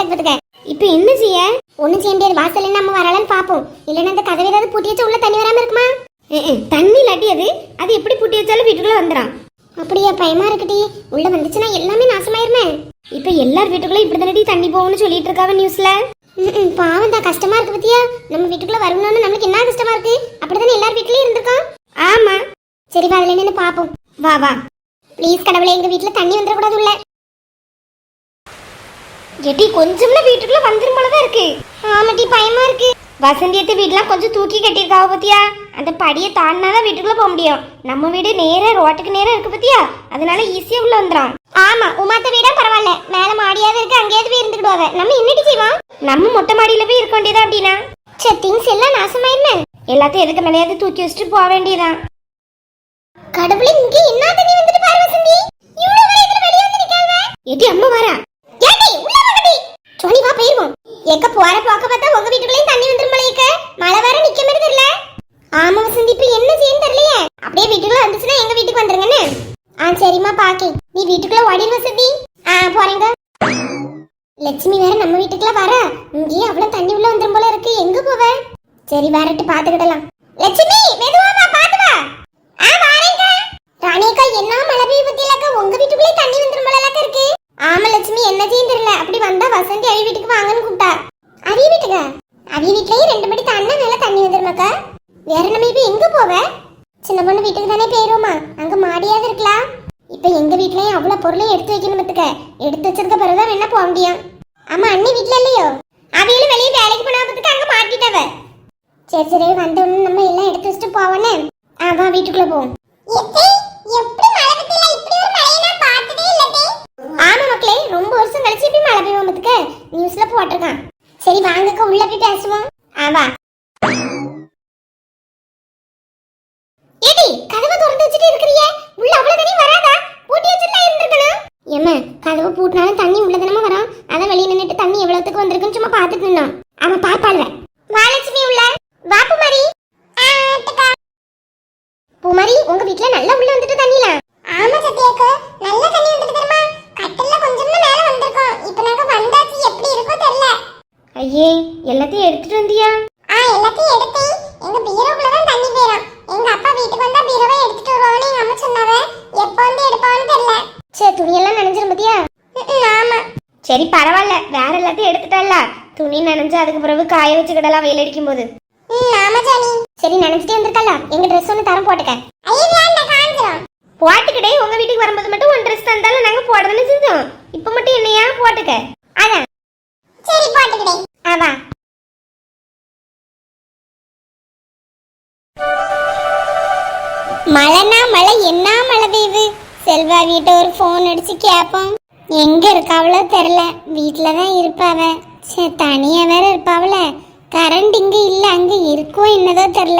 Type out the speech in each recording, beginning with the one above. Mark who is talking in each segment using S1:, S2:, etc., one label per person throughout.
S1: முடியாது பாத்துக்க. இப்போ என்ன செய்ய? ஒண்ணும் செய்ய முடியாது. வாசல்ல நம்ம வரலான்னு பாப்போம். இல்லன்னா அந்த கதவை ஏதாவது பூட்டி வச்சா உள்ள தண்ணி வராம இருக்குமா? தண்ணி இல்லாட்டி அது எப்படி பூட்டி வச்சாலும் வீட்டுக்குள்ள வந்துடும். அப்படியா? பயமா இருக்குடி. உள்ள வந்துச்சுன்னா எல்லாமே நாசமாயிருமே. இப்ப எல்லார் வீட்டுக்குள்ள இப்படிதானடி தண்ணி போகும்னு சொல்லிட்டு இருக்காவ நியூஸ்ல. பாவம் தான், கஷ்டமா இருக்கு பத்தியா. நம்ம வீட்டுக்குள்ள வரணும்னு நம்மளுக்கு என்ன கஷ்டமா இருக்கு. அப்படிதானே எல்லார் வீட்லயும் இருந்திருக்கோம். ஆமா, சரி வா, அதுல என்னன்னு பாப்போம். வா வா. ப்ளீஸ் கடவுளே, எங்க வீட்டுல தண்ணி வந்துடக்கூடாது உள்ள. எட்டி கொஞ்சம்ல வீட்டுக்குள்ள வந்துரும் போலதான் இருக்கு. ஆமாட்டி, பயமா இருக்கு. வசந்தியத்தை வீட்டுலாம் கொஞ்சம் தூக்கி கட்டியிருக்காவ பத்தியா. அந்த படியை தாண்டினாதான் வீட்டுக்குள்ள போக முடியும். நம்ம வீடு நேரா ரோட்டுக்கு நேரம் இருக்கு பத்தியா, அதனால ஈஸியா உள்ள வந்துடும். ஆமா, உமாத்த வீடா பரவாயில்ல, மேல மாடியாவது இருக்கு, அங்கேயாவது போய் இருந்துக்கிடுவாங்க. நம்ம என்னடி செய்வோம்? நம்ம மொட்டை மாடியில போய் இருக்க வேண்டியதா அப்படின்னா. சரி, திங்ஸ் எல்லாம் நாசமாயிருமே. எல்லாத்தையும் எதுக்கு மேலேயாவது தூக்கி வச்சுட்டு போக வேண்டியதான். கடவுளே, இங்க என்ன தண்ணி வந்துட்டு பாரு வசந்தி. இவ்வளவு வேகத்துல வெளிய வந்து நிக்காத. ஏடி அம்மா வரா. ஏடி உள்ள வாடி. சோனி வா போயிடுவோம். எங்க போற போக்க பார்த்தா உங்க வீட்டுக்குள்ளேயும் தண்ணி வந்துரும் போலயேக்க. மழை வேற நிக்க மாதிரி தெரியல. ஆமா வசந்தி, இப்ப என்ன செய்யன்னு தெரியலையே. அப்படியே வீட்டுக்குள்ள வந்துச்சுன்னா எங்க வீட்டுக்கு வந்துருங்கன்னு. சரிம்மா பாக்கி. நீ வீட்டுக்குள்ள ஓடிடு வசந்தி. போறேங்க. லட்சுமி வேற நம்ம வீட்டுக்குள்ள வர. இங்கேயே அவ்வளவு தண்ணி உள்ள வந்துரும் போல இருக்கு. எங்க போவ? சரி வரட்டு, பாத்துக்கிடலாம். லட்சுமி மெதுவா வா, பாத்து வா. வாரேங்க. ராணியக்கா, என்ன மழை பெய்ய பத்தியலக்கா, உங்க வீட்டுக்குள்ளே தண்ணி வந்துரும் போல இருக்கு. ஆமா லட்சுமி, என்ன செய்யும் தெரியல. அப்படி வந்தா வசந்தி அவி வீட்டுக்கு வாங்கன்னு கூப்பிட்டா. அவி வீட்டுக்கா? அவி வீட்லயே 2 மணி தாண்டா மேல தண்ணி வந்துருமாக்கா. வேற நம்ம இப்ப எங்க போவ? சின்ன பொண்ணு வீட்டுக்கு தானே போயிருவோமா, அங்க மாடியாவது இருக்கலாம். இப்ப எங்க வீட்லயும் அவ்வளவு பொருளையும் எடுத்து வைக்கணும் பத்துக்க. எடுத்து வச்சிருக்க பிறகுதான் வேணா போக முடியும். ஆமா, அண்ணி வீட்டுல இல்லையோ? அவையிலும் வெளியே வேலைக்கு போனா பத்துக்க அங்க மாட்டிட்டவ. சரி சரி, வந்த உடனே நம்ம எல்லாம் எடுத்து வச்சுட்டு போவோன்னு. வா வீட்டுக்குள்ள போவோம். ஆமா மக்களே, ரொம்ப வருஷம் கழிச்சு இப்படி மழை பெய்யும் பத்துக்க நியூஸ்ல போட்டிருக்கான். சரி வாங்கக்கா, உள்ள போய் பேசுவோம். வா. ஏடி, கதவை திறந்து வச்சிட்டு இருக்கறியே, உள்ள அவ்வளவு தண்ணி வராதா? பூட்டி வச்சிட்டு இருந்திருக்கணும். ஏம்மா, கதவை பூட்டினாலும் தண்ணி உள்ள தானே வரும். அதான் வெளிய நின்னுட்டு தண்ணி எவ்வளவுக்கு வந்திருக்குன்னு சும்மா பாத்துட்டு நின்னோம். அவன் பாப்பாள்வ. வாலட்சுமி உள்ள வா. பூமாரி. பூமாரி, உங்க வீட்ல நல்லா உள்ள வந்துட்டு தண்ணில. ஆமா சத்யாக்கா, நல்ல தண்ணி வந்துட்டு தெரியுமா. கட்டல்ல கொஞ்சம்ல மேல வந்திருக்கோம். இப்போ நாங்க வந்தாச்சு, எப்படி இருக்கோ தெரியல. ஐயே, எல்லாத்தையும் எடுத்துட்டு வந்தியா? எல்லாத்தையும் எடுத்தேன். எங்க பீரோக்குள்ள தான் தண்ணி போயிடும். எங்க அப்பா வீட்டுக்கு வந்தா பீரோவை எடுத்துட்டு வருவான்னு எங்க அம்மா சொன்னாவ. எப்போ வந்து எடுப்பான்னு தெரியல. சரி, துணியெல்லாம் நனைஞ்சிரும் பத்தியா? ஆமா. சரி பரவாயில்ல, வேற எல்லாத்தையும் எடுத்துட்டல்ல. துணி நனைஞ்சு அதுக்கு பிறகு காய வச்சுக்கிடலாம் வெயில் அடிக்கும் போது. ஆமா ஜானி. சரி, நனைஞ்சிட்டே வந்திருக்கல, எங்க ட்ரெஸ் ஒன்று தரம் போட்டுக்க. போட்டுக்கிட்டே உங்க வீட்டுக்கு வரும்போது மட்டும் உன் ட்ரெஸ் தந்தாலும் நாங்க போடுறதுன்னு செஞ்சோம். இப்ப மட்டும் என்னையா போட்டுக்க. அதான் சரி, போட்டுக்கிட்டே. வா. மழைனா மழை, என்ன மழை பெய்யுது. செல்வா வீட்டை ஒரு ஃபோன் அடிச்சு கேட்போம். எங்க இருக்காவளோ தெரியல. வீட்டுல தான் இருப்பாவ. சரி, தனியா வேற இருப்பாவல. கரண்ட் இங்க இல்ல, அங்க இருக்கோ என்னதோ தெரியல.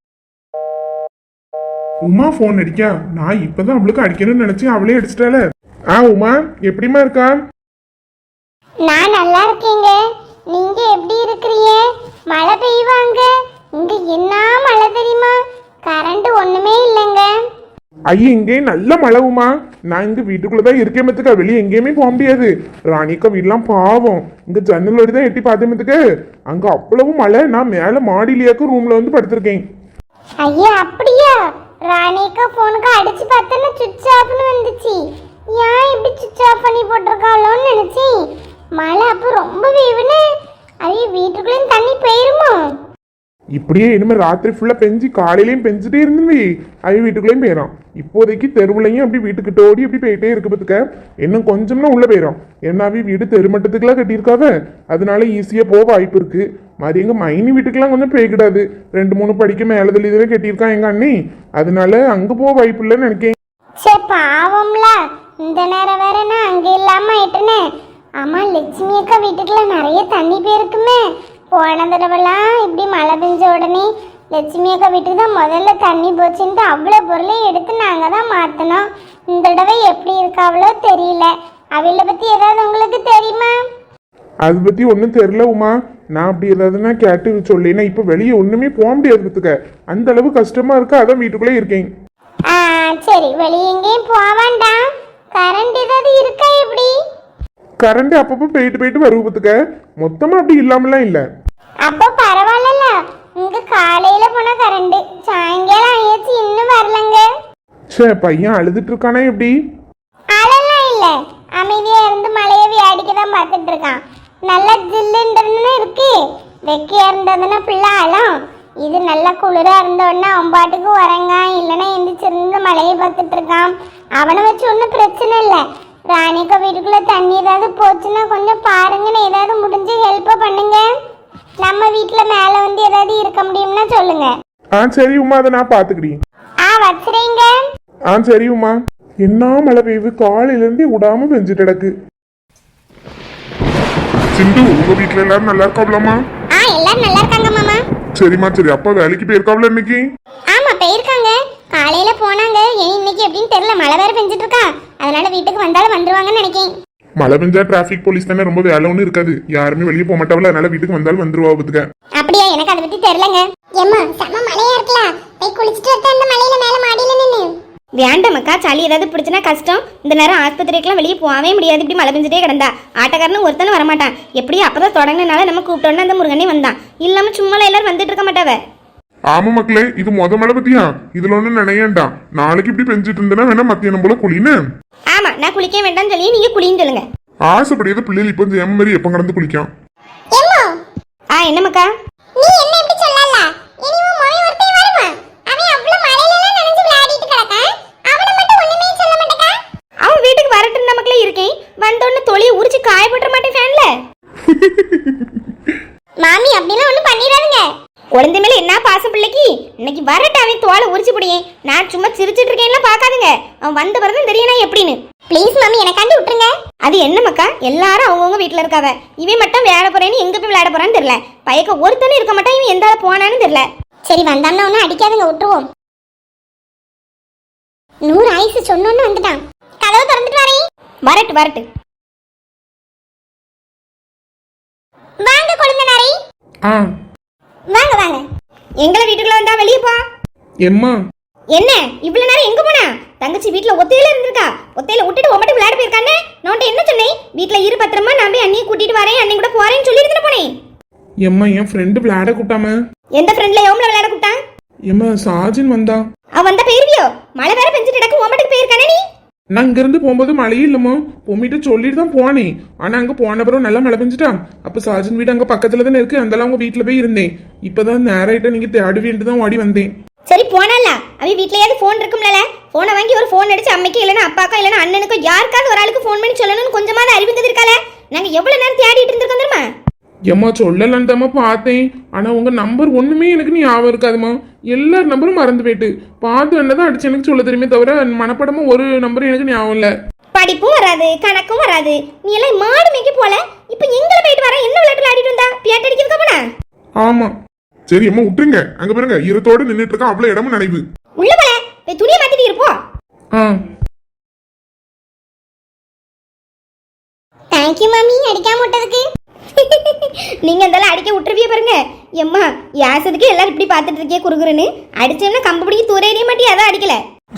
S2: உமா போன் அடிக்கா. நான் இப்பதான் அவளுக்கு அடிக்கணும்னு நினைச்சேன், அவளே அடிச்சிட்டால. உமா, எப்படிமா இருக்கா?
S1: நான் நல்லா இருக்கேங்க. நீங்க எப்படி இருக்கிறீங்க? மழை பெய்வாங்க. இங்க என்ன மழை தெரியுமா? கரண்ட் ஒண்ணுமே இல்லைங்க.
S2: ஐயா, இங்கே நல்ல மழை உமா. நான் இங்க வீட்டுக்குள்ளதான் இருக்கேன் மத்துக்கா, வெளியே எங்கேயுமே போக முடியாது. ராணிக்கா வீடெல்லாம் பாவம். இங்க ஜன்னலோடு தான் எட்டி பார்த்தேன் மத்துக்கு. அங்க அவ்வளவு மழை. நான் மேல மாடியிலேயாக்கு ரூம்ல வந்து படுத்திருக்கேன்.
S1: ஐயா அப்படியா? ராணிக்கா போனுக்கு அடிச்சு பார்த்தேன்னா சுவிட்ச் ஆஃப்னு வந்துச்சு. ஏன் இப்படி சுவிட்ச் ஆஃப் பண்ணி போட்டிருக்காளோன்னு நினைச்சேன். மழை அப்போ ரொம்ப வேவுன்னு ஐயா வீட்டுக்குள்ளேயும் தண்ணி போயிருமோ?
S2: இப்படியே இனிமே ராத்திரி ஃபுல்லா பெஞ்சு காலையிலயும் பெஞ்சுட்டே இருந்துவே அவ வீட்டுக்குள்ளேயும் போயிடும். இப்போதைக்கு தெருவுலையும் அப்படி வீட்டுக்கிட்ட ஓடி அப்படி போயிட்டே இருக்கு பத்துக்க. இன்னும் கொஞ்சம்னா உள்ள போயிடும். ஏன்னாவே வீடு தெருமட்டத்துக்குலாம் கட்டியிருக்காவ, அதனால ஈஸியா போக வாய்ப்பு இருக்கு. மாதிரி எங்க மைனி வீட்டுக்கெல்லாம் கொஞ்சம் போய்கிடாது. 2-3 படிக்க மேலதில் இதுவே கட்டியிருக்கான் எங்க அண்ணி, அதனால அங்க போக வாய்ப்பு இல்லைன்னு நினைக்கேன்.
S1: பாவம்ல, இந்த நேரம் வேற நான் அங்க இல்லாம ஆயிட்டேனே. ஆமா, லட்சுமி அக்கா வீட்டுக்குள்ள நிறைய தண்ணி போயிருக்குமே. போன தடவைலாம் இப்படி மழை பெஞ்ச உடனே லட்சுமி அக்கா வீட்டுக்கு தான் முதல்ல தண்ணி போச்சுன்ட்டு அவ்வளோ பொருளையும் எடுத்து நாங்கள் தான் மாற்றினோம். இந்த தடவை எப்படி இருக்காவளோ தெரியல. அவளை பற்றி ஏதாவது உங்களுக்கு தெரியுமா?
S2: அதை பற்றி ஒன்றும் தெரியல உமா. நான் அப்படி ஏதாவதுன்னா கேட்டு சொல்லினா இப்போ வெளியே ஒன்றுமே போக முடியாது பத்துக்க. அந்த அளவு கஷ்டமா இருக்கு, அதான் வீட்டுக்குள்ளே இருக்கேன்.
S1: சரி, வெளியே எங்கேயும் போக வேண்டாம். கரண்ட் ஏதாவது இருக்கா எப்படி?
S2: கரண்ட் அப்பப்போ போயிட்டு போயிட்டு வருவதுக்க மொத்தமா அப்படி இல்லாமலாம் இல்ல.
S1: அப்போ பரவாயில்ல. இங்க காலையில போன கரண்ட் சாயங்காலம் ஆயாச்சு இன்னும் வரலங்க.
S2: சே பையன் அழுதுட்டு இருக்கானே எப்படி?
S1: அழலாம் இல்ல, அமைதியா இருந்து மழையை வேடிக்கை தான் பார்த்துட்டு இருக்கான். நல்லா ஜில்லுன்னு இருக்கு. வெக்கையா இருந்ததுன்னா பிள்ளை அழும். இது நல்லா குளிரா இருந்தோடனே அவன் பாட்டுக்கு உறங்கான், இல்லைன்னா எந்திரிச்சிருந்து மழையை பார்த்துட்டு இருக்கான். அவனை வச்சு ஒன்றும் பிரச்சனை இல்லை. ராணிக்கா வீட்டுக்குள்ள தண்ணி ஏதாவது போச்சுன்னா கொஞ்சம் பாருங்கன்னு ஏதாவது முடிஞ்சு ஹெல்ப் பண்ணுங்க. நம்ம வீட்டுல மேல வந்து ஏதாவது இருக்க முடியும்னா சொல்லுங்க.
S2: சரி உமா, அதை நான் பாத்துக்கிறேன்.
S1: வச்சுறீங்க.
S2: சரி உமா. என்ன மழை பெய்யுது, காலையில இருந்தே விடாம பெஞ்சிட்டு கிடக்கு. சிந்து, உங்க வீட்டுல எல்லாரும் நல்லா இருக்காப்லமா?
S1: எல்லாரும் நல்லா இருக்காங்க மாமா.
S2: சரிம்மா சரி. அப்பா வேலைக்கு போயிருக்காப்ல இன்னைக்கு?
S1: ஆமா போயிருக்காங்க. காலையில போனாங்க. இன்னைக்கு எப்படின்னு தெரியல, மழை வேற பெஞ்சிட்டு இருக்கா. அதனால வீட்டுக்கு வந்தாலும் வந்துருவாங்கன்னு நினைக்கிறேன்.
S2: மழை பெஞ்சா டிராபிக் போலீஸ் தானே, ரொம்ப வேலை ஒன்றும் இருக்காது. யாருமே வெளியே போக மாட்டாவில, அதனால வீட்டுக்கு வந்தாலும் வந்துருவா பத்துக்க.
S1: அப்படியா? எனக்கு அதை பத்தி தெரியலங்க. ஏம்மா செம்ம மழையா இருக்கலாம், போய் குளிச்சுட்டு வரத அந்த மழையில மேல மாடியில நின்னு. வேண்டாமக்கா, சளி ஏதாவது பிடிச்சினா கஷ்டம். இந்த நேரம் ஆஸ்பத்திரிக்கெல்லாம் வெளியே போகவே முடியாது. இப்படி மழை பெஞ்சிட்டே கிடந்தா ஆட்டக்காரனும் ஒருத்தனும் வரமாட்டான். எப்படியும் அப்பதான் தொடங்கினால நம்ம கூப்பிட்டோன்னு அந்த முருகனே வந்தான். இல்லாம சும்மா எல்லாரும் வந்துட்டு இருக்க மாட்டாவ.
S2: ஆமா மக்களே, இது மழை பத்தியா? இதுல ஒண்ணு நினையண்டா. நாளைக்கு இப்படி பெஞ்சிட்டு இருந்தேன்னா வேணா மத்தியானம் போல குளின்னு.
S1: ஆமா, நான் குளிக்க வேண்டாம்னு சொல்லி நீங்க குளின்னு சொல்லுங்க.
S2: ஆசைப்படியது பிள்ளைகள் இப்ப எம் மாதிரி எப்ப கடந்து குளிக்கும்.
S1: என்னமக்கா நீ என்ன இப்படி சொல்லல? இனிமே மொய் ஒருத்தே வருமா? அவன் அவ்வளவு மழையில எல்லாம் நனைஞ்சு விளையாடிட்டு கிடக்கான். அவன மட்டும் ஒண்ணுமே சொல்ல மாட்டேக்கா. அவன் வீட்டுக்கு வரட்டும், நமக்குல இருக்கேன். வந்தோன்னு தொழியை உரிச்சு காய போட்டுற மாட்டேன் ஃபேன்ல. மாமி அப்படிலாம் ஒண்ணும் பண்ணிடாதுங்க. குழந்தை மேல என்ன பாசம் பிள்ளைக்கு. இன்னைக்கு வரட்டும், அவன் தோலை உரிச்சு போடியேன். நான் சும்மா சிரிச்சிட்டு இருக்கேன்லாம் பாக்காதுங்க. அவன் வந்த பிறகு தெரியணும் எப்படின்னு. ப்ளீஸ் மாமி, எனக்காண்டி விட்டுருங்க. அது என்ன மக்கா, எல்லாரும் அவங்கவுங்க வீட்டுல இருக்காவ. இவன் மட்டும் விளையாட போறேன்னு எங்க போய் விளையாட போறான்னு தெரியல. பையக்க ஒருத்தனும் இருக்க மாட்டான். இவன் எந்த போனான்னு தெரியல. சரி வந்தான்னா ஒன்னும் அடிக்காதுங்க, விட்டுருவோம். 100 ஆயுசு சொன்னோன்னு வந்துட்டான். கதவை திறந்துட்டு வரேன். வரட்டு வரட்டு. வாங்க கொழுந்தனாரே. வாங்க வாங்க. எங்களை வீட்டுக்குள்ள வந்தா வெளியே போ.
S2: எம்மா
S1: என்ன இவ்வளவு நேரம் எங்க போனா? தங்கச்சி வீட்டுல ஒத்தையில இருந்திருக்கா. ஒத்தையில விட்டுட்டு உமட்டு விளையாட போயிருக்கானே. நான் என்ன சொன்னேன்? வீட்டுல இரு பத்திரமா, நான் போய் அண்ணியை கூட்டிட்டு வரேன், அண்ணி கூட போறேன்னு சொல்லி இருந்துட்டு போனேன்.
S2: எம்மா, என் ஃப்ரெண்டு விளையாட கூட்டாம.
S1: எந்த ஃப்ரெண்ட்ல எவ்வளவு விளையாட கூட்டான்?
S2: எம்மா, சாஜின் வந்தா.
S1: அவ வந்தா போயிருவியோ? மழை வேற பெஞ்சிட்டு கிடக்கு, உமட்டுக்கு போயிருக்கானே நீ?
S2: நான் இங்க இருந்து போகும்போது மழையே இல்லம்மா. பொம்மிட்டு சொல்லிட்டு தான் போனேன். ஆனா அங்க போன பிறகு நல்லா மழை பெஞ்சிட்டான். அப்ப சாஜின் வீடு அங்க பக்கத்துல தானே இருக்கு. அந்த அவங்க வீட்டுல போய் இருந்தேன். இப்பதான் நேராயிட்ட நீங்க தேடுவேன்ட்டு தான் ஓடி வந்தேன்.
S1: சரி போனால அவ வீட்லயாவது போன் இருக்கும்ல. போனை வாங்கி ஒரு போன் அடிச்சு அம்மைக்கு இல்லைன்னா அப்பாக்கா இல்லைன்னா அண்ணனுக்கோ யாருக்காவது ஒரு ஆளுக்கு போன் பண்ணி சொல்லணும்னு கொஞ்சமாவது அறிவிந்தது இருக்கால. நாங்க எவ்வளவு நேரம் தேடிட்டு இருந்திருக்கோம் தெரியுமா?
S2: ஏம்மா சொல்லலாம் தாம்மா பார்த்தேன். ஆனா உங்க நம்பர் ஒண்ணுமே எனக்கு ஞாபகம் இருக்காதுமா. எல்லார் நம்பரும் மறந்து போயிட்டு பார்த்து என்னதான் அடிச்சு எனக்கு சொல்ல தெரியுமே தவிர மனப்படமும் ஒரு நம்பரும் எனக்கு ஞாபகம் இல்ல.
S1: படிப்பும் வராது, கணக்கும் வராது. நீ எல்லாம் மாடு மேய்க்க போல. இப்ப எங்களை போயிட்டு வர என்ன விளையாட்டு விளையாடிட்டு வந்தா? பியாட் அடிக்கிறதுக்கா போனா?
S2: ஆமா. சரி அம்மா விட்டுருங்க. அங்க பாருங்க ஈரத்தோட நின்னுட்டு இருக்கா. அவ்வளவு இடமும் நினைவு.
S1: உள்ள போல போய் துணியை மாத்திட்டு இருப்போம். தேங்க்யூ மாமி, அடிக்காம விட்டதுக்கு. நீங்க அதெல்லாம் அடிக்க விட்டுருவிய பாருங்க. எம்மா யாசதுக்கு எல்லாரும் இப்படி பாத்துட்டு இருக்கே குறுகுறுன்னு. அடிச்சோம்னா கம்பு பிடிக்க தூரேறிய மாட்டி, அதான் அடிக்கல.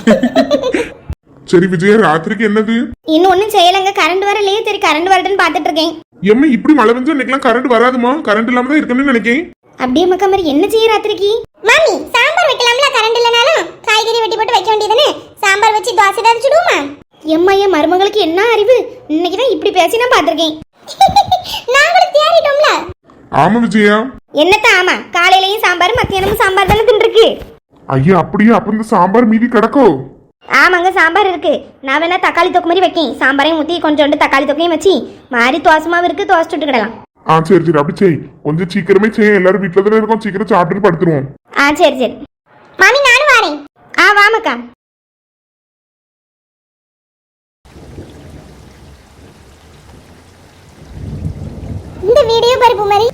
S2: சரி விஜயா, ராத்திரிக்கு என்னது?
S1: இன்னும் ஒன்னும் செய்யலங்க, கரண்ட் வரலையே. சரி கரண்ட் வரட்டுன்னு பாத்துட்டு இருக்கேன்.
S2: எம்மா இப்படி மழை பெஞ்சா இன்னைக்கெல்லாம் கரண்ட் வராதுமா. கரண்ட் இல்லாம தான் இருக்குன்னு நினைக்கேன்.
S1: அப்படியே மக்கா மாதிரி என்ன செய்ய ராத்திரிக்கு? மாமி சாம்பார் வைக்கலாம்ல, கரண்ட் இல்லனாலும் காய்கறி வெட்டி போட்டு வைக்க வேண்டியதுன்னு. சாம்பார் வச்சு தோசை ஏதாவது சுடுவோமா? எம்மா என் மருமகளுக்கு என்ன அறிவு. இன்னைக்கு தான் இப்படி பேசி நான் பாத்திருக்கேன். நாங்களும் தேடிட்டோம்ல.
S2: ஆமா விஜயா.
S1: என்னத்த ஆமா? காலையிலயும் சாம்பார், மத்தியானமும் சாம்பார் தானே தின்றுருக்கு.
S2: ஐயா அப்படியே அப்ப இந்த சாம்பார் மீதி கிடக்கோ?
S1: ஆமாங்க சாம்பார் இருக்கு. நான் வேணா தக்காளி தொக்கு மாதிரி வைக்கேன். சாம்பாரையும் ஊற்றி கொஞ்சோண்டு தக்காளி தொக்கையும் வச்சு மாதிரி தோசமாவும் இருக்கு, தோசை சுட்டுக்கிடலாம்.
S2: சரி சரி அப்படி செய். கொஞ்சம் சீக்கிரமே செய். எல்லாரும் வீட்டுல தானே இருக்கோம். சீக்கிரம் சாப்பிட்டு படுத்துருவோம்.
S1: சரி சரி மாமி, நானும் வரேன். வாமக்கா. இந்த வீடியோ பருப்பு மாதிரி.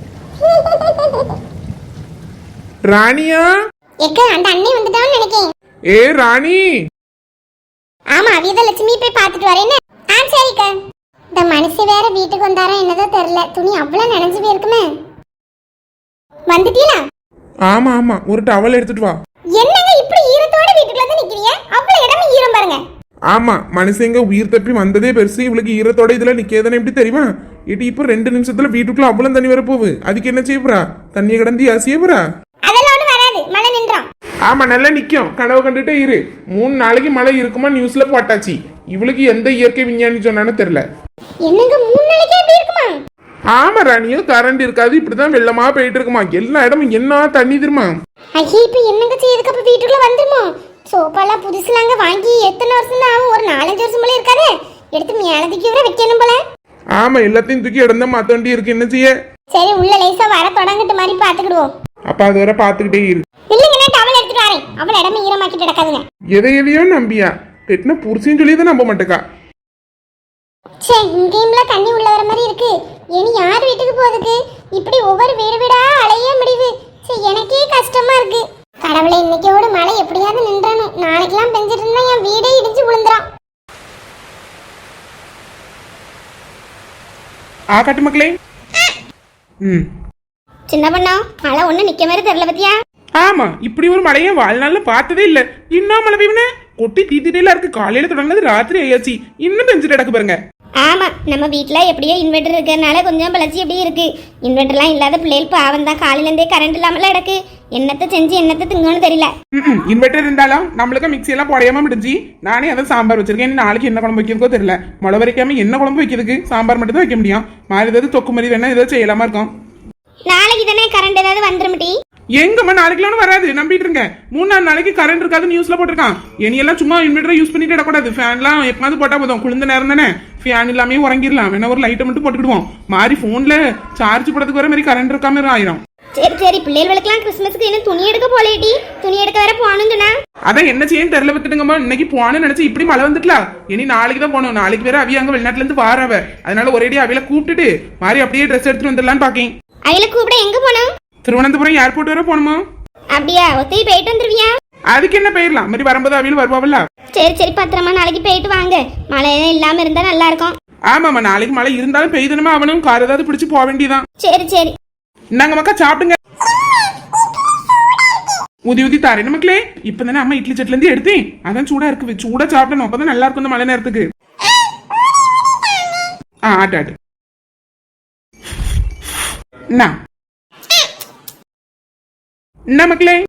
S2: ராணியா
S1: எக்க அந்த அண்ணே வந்துட்டான்னு நினைக்கிறேன்.
S2: ஏ ராணி.
S1: ஆமா, வீரலட்சுமி போய் பார்த்துட்டு வரேன்னு. சரிக்கா. இந்த மனுஷி வேற வீட்டுக்கு வந்தாரா என்னதோ தெரியல. துணி அவ்வளவு நனைஞ்சு போயிருக்குமே. வந்துட்டீங்களா?
S2: ஆமா ஆமா, ஒரு டவல் எடுத்துட்டு வா.
S1: என்னங்க இப்படி ஈரத்தோட வீட்டுக்குள்ள வந்து நிக்கிறீங்க? அவ்வளவு இடமே ஈரம் பாருங்க.
S2: ஆமா, மனுஷங்க உயிர் தப்பி வந்ததே பெருசு. இவளுக்கு ஈரத்தோட இதுல நிக்கேதானே எப்படி தெரியுமா? இட்டி இப்ப 2 நிமிஷத்துல வீட்டுக்குள்ள அவ்வளவு தண்ணி வர போகுது. அதுக்கு என்ன செய்ய போறா? தண்ணியை கடந்து அசிய போறா?
S1: அதெல்லாம் ஒண்ணு வராது, மழை நின்றோம்.
S2: ஆமா, நல்லா நிக்கும். கனவு கண்டுட்டே இரு. 3 நாளைக்கு மழை இருக்குமா நியூஸ்ல போட்டாச்சு. இவளுக்கு எந்த இயற்கை விஞ்ஞானி சொன்னான்னு தெரியல.
S1: என்னங்க 3 நாளைக்கே எப்படி இருக்குமா?
S2: ஆமா ராணியோ, கரண்ட் இருக்காது. இப்படிதான் வெள்ளமா போயிட்டு இருக்குமா. எல்லா இடமும் என்ன தண்ணி தெரியுமா?
S1: ஐயே, இப்ப என்னங்க செய்யுதுக்கு? அப்ப வீட்டுக்குள்ள வந்துருமோ? சோப்பாலாம் புதுசுலாங்க வாங்கி எத்தனை வருஷம் தான் ஆகும்? ஒரு 4-5 வருஷம் போல இருக்காதே. எடுத்து மேலதிக்கு வர வைக்கணும் போல.
S2: ஆமா, எல்லாத்தையும் தூக்கி இடந்தா மாத்த வேண்டி இருக்கு. என்ன செய்ய?
S1: சரி, உள்ள லேசா வர தொடங்கிட்ட மாதிரி பாத்துக்கிடுவோம்.
S2: அப்ப அது வரை பாத்துக்கிட்டே இரு.
S1: இல்லங்க, நான் டவல் எடுத்துட்டு வரேன். அவள் இடமே ஈரமாக்கிட்டு கிடக்காதுங்க.
S2: எதையோ நம்பியா பெட்னா புருஷன் சொல்லியதான் நம்ப மாட்டேக்கா.
S1: சே, இங்கேயும்ல தண்ணி உள்ள வர மாதிரி இருக்கு. இனி யார் வீட்டுக்கு போறதுக்கு? இப்படி ஒவ்வொரு வீடு வீடா அலைய முடியுது. சரி, எனக்கே கஷ்டமா இருக்கு. கடவுளை, இன்னைக்கோட மழை எப்படியாவது நின்றானும். நாளைக்கெல்லாம் பெஞ்சிட்டு இருந்தா என் வீடே இடிஞ்சு விழுந்துரும்.
S2: கட்டு மக்களே.
S1: சின்ன பண்ணா, மழை ஒண்ணு நிக்க மாதிரி தெரியல பத்தியா?
S2: ஆமா, இப்படி ஒரு மழையை வாழ்நாள்ல பார்த்ததே இல்ல. இன்னும் மழை பெய்யுன கொட்டி தீத்திட்டேல இருக்கு. காலையில தொடங்கினது ராத்திரி ஆயாச்சு. இன்னும் பெஞ்சிட்டு கிடக்கு பாருங்க.
S1: ஆமா, நம்ம வீட்டுல எப்படியோ இன்வெர்டர் இருக்கிறதுனால கொஞ்சம் பழச்சி எப்படி இருக்கு. இன்வெர்டர்லாம் இல்லாத பிள்ளைகள் பாவம் தான். காலையில இருந்தே கரண்ட் இல்லாமல கிடக்கு. என்னத்தை செஞ்சு என்னத்தை திங்கன்னு தெரியல.
S2: இன்வெர்டர் இருந்தாலும் நம்மளுக்கு மிக்சி எல்லாம் போடையாம முடிஞ்சு நானே அதை சாம்பார் வச்சிருக்கேன். நாளைக்கு என்ன குழம்பு வைக்கிறதுக்கோ தெரியல. மழை வரைக்காம என்ன குழம்பு வைக்கிறதுக்கு? சாம்பார் மட்டும் தான் வைக்க முடியும். மாதிரி ஏதாவது தொக்கு மாதிரி வேணா ஏதாவது செய்யலாமா இருக்கும்.
S1: நாளைக்கு தானே கரண்ட் ஏதாவது வந்துருமிட்டி?
S2: எங்கம்மா நாளைக்குலாம் வராது, நம்பிட்டு இருங்க. 3-4 நாளைக்கு கரண்ட் இருக்காது நியூஸ்ல போட்டிருக்கான். இனியெல்லாம் சும்மா இன்வெர்டரை யூஸ் பண்ணிட்டு இடக்கூடாது. ஃபேன்லாம் எப்போது போட்டா போதும். குளிர்ந்த நேரம் தானே, ஃபேன் இல்லாமே உறங்கிடலாம். வேணா ஒரு லைட்டை மட்டும் போட்டுக்கிடுவோம். மாதிரி போன்ல சார்ஜ் போடுறதுக்கு வர மாதிரி கரண்ட் இருக்காம ஆயிரும்.
S1: சரி சரி, பிள்ளைகளுக்கெல்லாம் கிறிஸ்மஸ்க்கு இன்னும் துணி எடுக்க போலேடி. துணி எடுக்க வேற போகணும்னா
S2: அதான் என்ன செய்யும் தெரியல. விட்டுடுங்கம்மா. இன்னைக்கு போனேன்னு நினைச்சு இப்படி மழை வந்துட்டலாம். இனி நாளைக்கு தான் போகணும். நாளைக்கு வேற அவிய அங்க வெளிநாட்டுல இருந்து வாரவ. அதனால ஒரேடி அவையில கூப்பிட்டுட்டு மாதிரி அப்படியே ட்ரெஸ் எடுத்துட்டு வந்துடலான்னு பாக்கேன்.
S1: அவையில கூப்பிட எங்க போனோம்?
S2: திருவனந்தபுரம் ஏர்போர்ட் வர போகணுமா?
S1: அப்படியா? ஒத்தி போயிட்டு வந்துருவியா?
S2: அதுக்கு என்ன போயிடலாம். மாதிரி வரும்போது அவையில வருவாவில்ல.
S1: சரி சரி, பத்திரமா நாளைக்கு போயிட்டு வாங்க. மழை இல்லாம இருந்தா நல்லா இருக்கும்.
S2: ஆமாமா, நாளைக்கு மழை இருந்தாலும் பெய்தனமா அவனும் கார் ஏதாவது பிடிச்சு போக வேண்டியதான்.
S1: சரி சரி,
S2: நாங்க மக்கா சாப்பிடுங்க. ஊதி ஊதி தாரேன் மக்களே. இப்பதானே அம்மா இட்லி சட்ல இருந்து எடுத்தேன். அதான் சூடா இருக்கு. சூடா சாப்பிடணும். அப்பதான் நல்லா இருக்கும் இந்த மழை நேரத்துக்கு. ஆட்டு ஆட்டு. என்ன மக்களே?